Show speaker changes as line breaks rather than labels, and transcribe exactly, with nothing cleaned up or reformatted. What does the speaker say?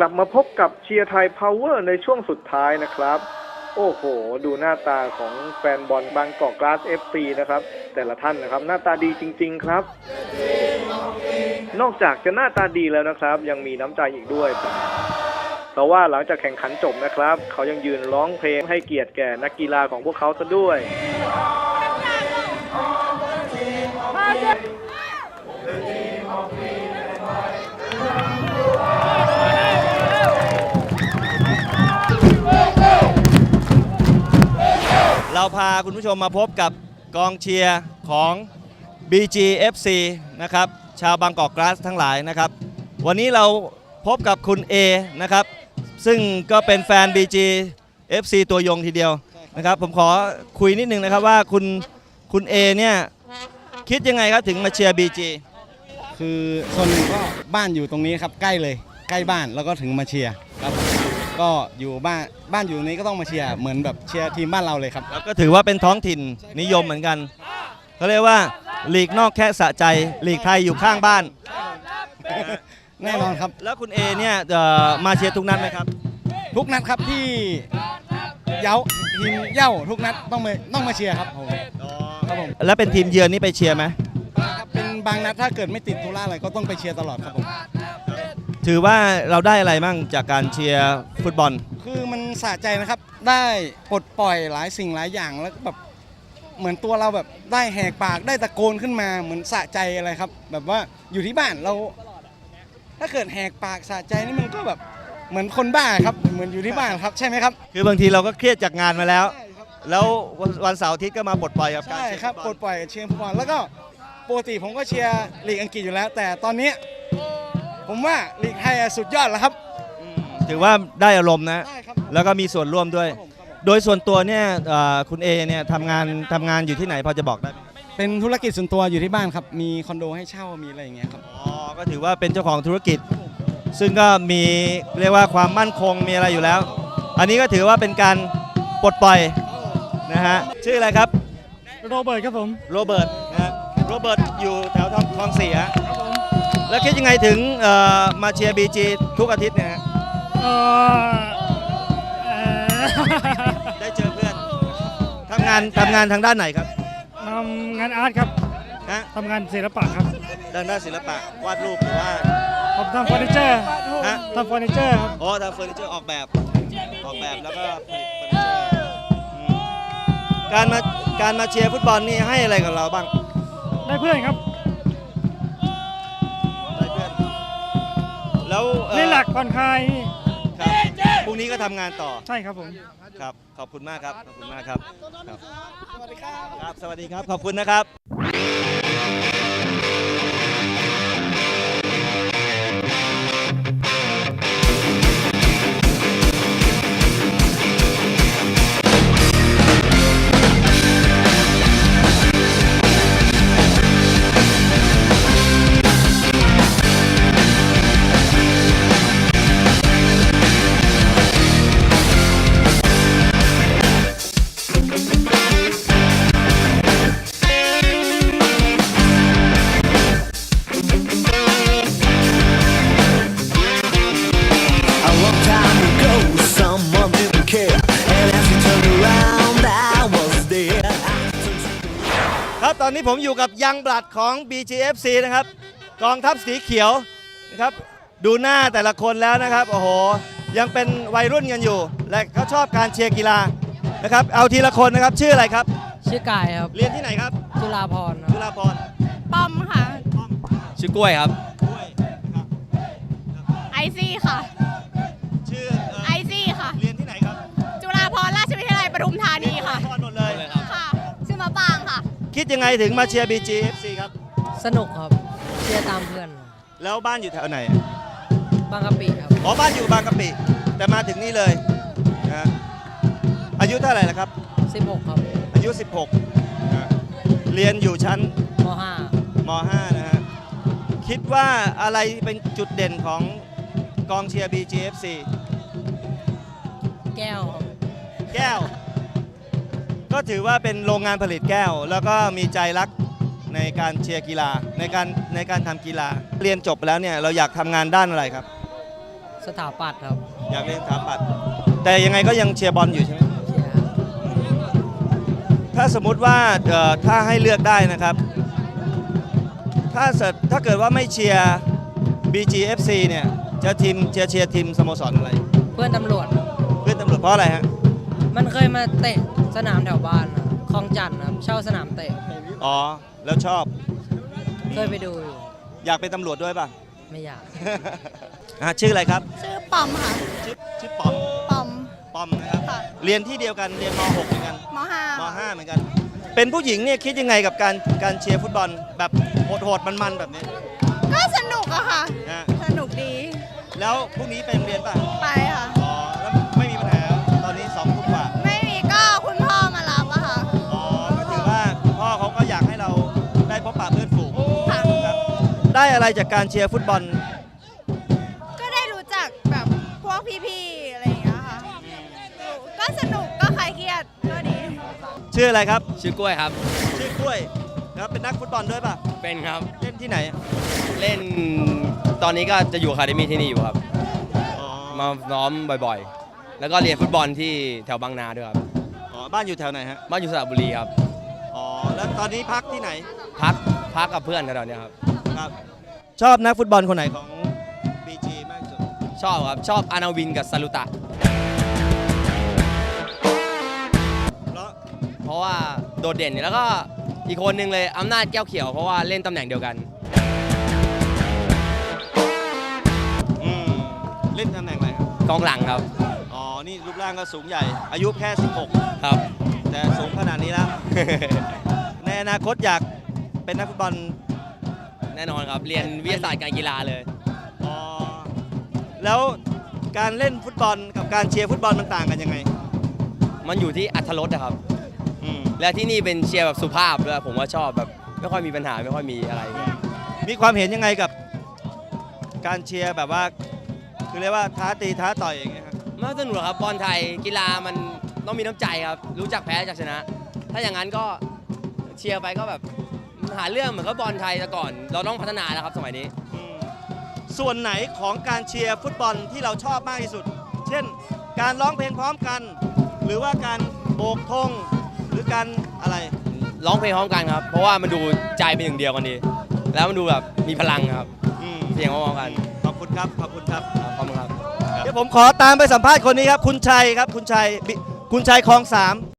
ลับมาพบกับเชียร์ไทยพาวเวอร์ในช่วงสุดท้ายนะครับโอ้โหดูหน้าตาของแฟนบอลบางกอกกลาส เอฟ ซี นะครับแต่ละท่านนะครับหน้าตาดีจริงๆครับนอกจากจะหน้าตาดีแล้วนะครับยังมีน้ำใจอีกด้วยเพราะว่าหลังจากแข่งขันจบนะครับเขายังยืนร้องเพลงให้เกียรติแก่นักกีฬาของพวกเขาซะด้วย
เราพาคุณผู้ชมมาพบกับกองเชียร์ของ บี จี เอฟ ซี นะครับชาวบางกอกกลาสทั้งหลายนะครับวันนี้เราพบกับคุณ A นะครับซึ่งก็เป็นแฟน บี จี เอฟ ซี ตัวยงทีเดียวนะครับผมขอคุยนิดนึงนะครับว่าคุณคุณ A เนี่ยคิดยังไงครับถึงมาเชียร์ บี จี
คือส่วนหนึ่งก็บ้านอยู่ตรงนี้ครับใกล้เลยใกล้บ้านแล้วก็ถึงมาเชียร์ครับก็อยู่บ้านบ้านอยู่นี้ก็ต้องมาเชียร์เหมือนแบบเชียร์ทีมบ้านเราเลยครับ
แล้วก็ถือว่าเป็นท้องถิ่นนิยมเหมือนกันเขาเรียกว่าลีกนอกแค่สะใจลีกไทยอยู่ข้างบ้าน
แน่นอนครับ
แล้วคุณ A เนี่ยมาเชียร์ทุกนัดไหมครับ
ทุกนัดครับที่เย้าทีมเย้าทุกนัดต้องมาต้องมาเชียร์ครับผม
ครับผมแล้วเป็นทีมเยือนนี่ไปเชียร์ไหม
ครับเป็นบางนัดถ้าเกิดไม่ติดธุระอะไรก็ต้องไปเชียร์ตลอดครับผม
ถือว่าเราได้อะไรบ้างจากการเชียร์ฟุตบอล
คือมันสะใจนะครับได้ปลดปล่อยหลายสิ่งหลายอย่างแล้วแบบเหมือนตัวเราแบบได้แหกปากได้ตะโกนขึ้นมาเหมือนสะใจอะไรครับแบบว่าอยู่ที่บ้านเราถ้าเกิดแหกปากสะใจนี่มันก็แบบเหมือนคนบ้าครับเหมือนอยู่ที่บ้านครับใช่ไหมครับ
คือบางทีเราก็เครียดจากงานมาแล้วแล้ววันเสาร์อาทิตย์ก็มาปลดปล่อยกับการ
ใช่ครับปลดปล่อยเชียร์ฟุตบอลแล้วก็ปกติผมก็เชียร์ลีกอังกฤษอยู่แล้วแต่ตอนนี้ผมว่าลีกไทยสุดยอดแล้วครับ
ถือว่าได้อารมณ์นะแล้วก็มีส่วนร่วมด้วยโดยส่วนตัวเนี่ยคุณ A เนี่ยทำงานทำงานอยู่ที่ไหนพอจะบอกได้ไหม
เป็นธุรกิจส่วนตัวอยู่ที่บ้านครับมีคอนโดให้เช่ามีอะไรอย่างเงี้ยครับ
อ๋อก็ถือว่าเป็นเจ้าของธุรกิจซึ่งก็มีเรียกว่าความมั่นคงมีอะไรอยู่แล้วอันนี้ก็ถือว่าเป็นการปลดปล่อยนะฮะชื่ออะไรครับ
โรเบิร์ตครับผม
โรเบิร์ตนะโรเบิร์ตอยู่แถวคลองสี่ฮะแล้วคิดยังไงถึงมาเชียร์ บี จี ทุกอาทิตย์เนี่ยฮะได้เจอเพื่อนทำงานทำงานทางด้านไหนครับ
ทำงานอาร์ตครับทำงานศิลปะครับ
ด้านด้านศิลปะวาดรูปหรือว่า
ผมทำเฟอร์นิเจอร์ทำเฟอร์นิเจอร์ครับ
อ๋อทำเฟอร์นิเจอร์ออกแบบออกแบบแล้วก็ผลิตเฟอร์นิเจอร์การมาการมาเชียร์ฟุตบอลนี่ให้อะไรกับเราบ้าง
ได้เพื่อนครับ
ได้เพื่อนแล้ว
เล่นหลักผ่อนคลาย
พรุ่งนี้ก็ทำงานต่อ
ใช่ครับผม
ครับขอบคุณมากครับขอบคุณมากครับสวัสดีครับครับสวัสดีครับขอบคุณนะครับครับตอนนี้ผมอยู่กับยังบลัดของ บี จี เอฟ ซี นะครับกองทัพสีเขียวนะครับดูหน้าแต่ละคนแล้วนะครับโอ้โหยังเป็นวัยรุ่นกันอยู่และเขาชอบการเชียร์กีฬานะครับเอาทีละคนนะครับชื่ออะไรครับ
ชื่อกายครับ
เรียนที่ไหนครับ
จุฬาภรณ์
จุฬาภรณ์
ป้อมค่ะ
ชื่อกล้วยครับ
กล้วยครับ
ไอซี่ค่ะ
ชื่อ
ไอซี่ค่ะ
เรียนที่ไหนครับ
จุฬาภรณ์ราชวิทยาลัยปทุมธานีค่ะ
ทุกคนหมดเลย
ค่ะชื่อมะปางค่ะ
คิดยังไงถึงมาเชียร์ บี จี เอฟ ซี ครับ
สนุกครับเชียร์ตามเพื่อน
แล้วบ้านอยู่แถวไหน
บางกะปิครับ
อ๋อบ้านอยู่บางกะปิแต่มาถึงนี่เลยนะอายุเท่าไหร่ละครับ
สิบหกครับ
อายุสิบหกนะเรียนอยู่ชั้น
ม.ห้าม
ห้านะฮะคิดว่าอะไรเป็นจุดเด่นของกองเชียร์ บี จี เอฟ ซี
แก้ว
แก้วก็ถือว่าเป็นโรงงานผลิตแก้วแล้วก็มีใจรักในการเชียร์กีฬาในการในการทำกีฬาเรียนจบแล้วเนี่ยเราอยากทำงานด้านอะไรครับ
สถาปัตย์ครับ
อยากเรียนสถาปัตย์แต่ยังไงก็ยังเชียร์บอลอยู่ใช่ไหม
เชียร์ครับ
ถ้าสมมุติว่าเอ่อถ้าให้เลือกได้นะครับ ถ้าเกิดถ้าเกิดว่าไม่เชียร์ บี จี เอฟ ซี เนี่ยจะทีมเชียร์เชียร์ทีมสโมสรอะไร
เพื่อนตำรวจ
เพื่อนตำรวจเพราะอะไรฮะ
มันเคยมาเตะสนามแถวบ้านนะคลองจันทร์ครับเช่าสนามเตะ
อ๋อ แล้วชอบ
เคยไปดูอยู่
อยากเป็นตำรวจด้วยป่ะ
ไม่อยาก
อ่ะชื่ออะไรครับ
ชื่อปอมค่ะ
ชื่อชื่อปอม
ปอม
ปอมนะครับ
ค่ะ
เรียนที่เดียวกันเรียนม .หก เหมือนกัน
มห้าม
.ห้า เหมือนกัน เป็นผู้หญิงเนี่ยคิดยังไงกับการการเชียร์ฟุตบอลแบบโหดๆมันๆแบบนี้
ก็สนุกอะค่ะ
นะ
สนุกดี
แล้วพรุ่งนี้ไปโรงเรียนป่ะ
ไปค่ะ
อ๋อ แล้วไม่มีปัญหาตอนนี้สองทุ่มกว่า
ไม่มีก็คุณพ่อมารับอะค่ะ
อ๋อ ก็ถือว่าคุณพ่อเขาก็อยากให้เราได้พบปะเพื่อนฝูง
ค่ะ
ครับได้อะไรจากการเชียร์ฟุตบอล
ก็ได้รู้จักแบบพวกพี่ๆ อะไรอย่างเงี้ยค่ะ ก็สนุกก็คลายเครียดก็ดี
ชื่ออะไรครับ
ชื่อกล้วยครับ
ชื่อกล้วยครับเป็นนักฟุตบอลด้วยป่ะ
เป็นครับ
เล่นที่ไหน
เล่นตอนนี้ก็จะอยู่อะคาเดมี่ที่นี่อยู่ครับ
อ๋อ
มาซ้อมบ่อยๆ แล้วก็เรียนฟุตบอลที่แถวบางนาด้วยครับ
อ๋อ บ้านอยู่แถวไหนฮะ
บ้านอยู่สระบุรีครับ
อ๋อ แล้วตอนนี้พักที่ไหน
พักพักกับเพื่อนแถวๆเนี้ยครับ
ครับ ชอบนักฟุตบอลคนไหนของ บี จี มากที่สุด
ชอบครับ ชอบอานาวินกับซาลุตะ
เพราะ
เพราะว่าโดดเด่นแล้วก็อีกคนหนึ่งเลยอำนาจแก้วเขียวเพราะว่าเล่นตำแหน่งเดียวกัน
อืม เล่นตำแหน่งอะไรครับ
กองหลังครับ
อ๋อ นี่รูปร่างก็สูงใหญ่ อายุแค่ สิบหก
ครับ
แต่สูงขนาดนี้แล้ว ในอนาคตอยากเป็นนักฟุตบอล
แน่นอนครับ เรียนวิทยาศาสตร์การกีฬาเลย
อ๋อ แล้วการเล่นฟุตบอลกับการเชียร์ฟุตบอลมันต่างกันยังไง
มันอยู่ที่อัธรสนะครับ
อืม
และที่นี่เป็นเชียร์แบบสุภาพด้วยผมว่าชอบแบบไม่ค่อยมีปัญหาไม่ค่อยมีอะไร
มีความเห็นยังไงกับการเชียร์แบบว่า คือเรียกว่าท้าตีท้าต่อยอย่างเงี้ยครับ
ไม่สนุกหรอกครับบอลไทยกีฬามันต้องมีน้ำใจครับ รู้จักแพ้จากชนะ ถ้าอย่างนั้นก็เชียร์ไปก็แบบหาเรื่องเหมือนกับบอลไทยแต่ก่อน เราต้องพัฒนาแล้วครับสมัยนี้
อืมส่วนไหนของการเชียร์ฟุตบอลที่เราชอบมากที่สุด เช่น การร้องเพลงพร้อมกัน หรือว่าการโบกธงหรือการอะไร
ร้องเพลงพร้อมกันครับ เพราะว่ามันดูใจเป็นหนึ่งเดียวกันดี แล้วมันดูแบบมีพลังครับ
อืม
เสียงพร้อมๆกัน
ขอบคุณครับ ขอบคุณครับ
ครับขอบคุณครับ
เดี๋ยวผมขอตามไปสัมภาษณ์คนนี้ครับ คุณชัยครับ คุณชัยบิคุณชัยคลองสาม